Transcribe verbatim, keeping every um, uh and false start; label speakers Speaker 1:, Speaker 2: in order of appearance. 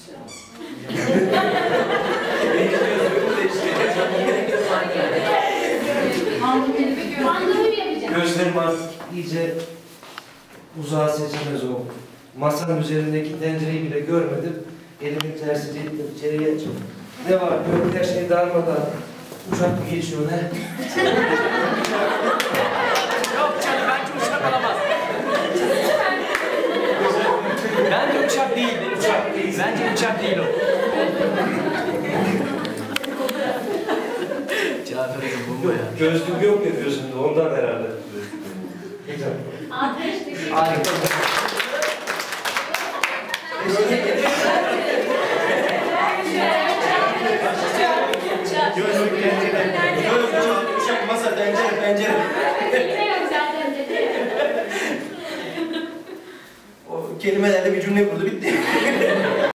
Speaker 1: Gözlerim artık iyice uzağa seçemez o. Masanın üzerindeki tencereyi bile görmedim. Elimin tersiyle ittim içeriye. Ne var? Böyle her şey darmadan. Uçak mı geçiyor ne?
Speaker 2: Yok canım, bence uçak alamaz. Bence uçak değil.
Speaker 1: Uçak değil.
Speaker 2: Bence uçak değil o. Cafer'in bomba ya.
Speaker 1: Gözlük yok ya gözümde, ondan herhalde. Güzel. Harika.
Speaker 3: Gözlük, tencere, gözlük, uçak, masa, tencere, pencere.
Speaker 4: Yine yok zaten dedi.
Speaker 3: O kelimelerle bir cümle kurdu, bitti.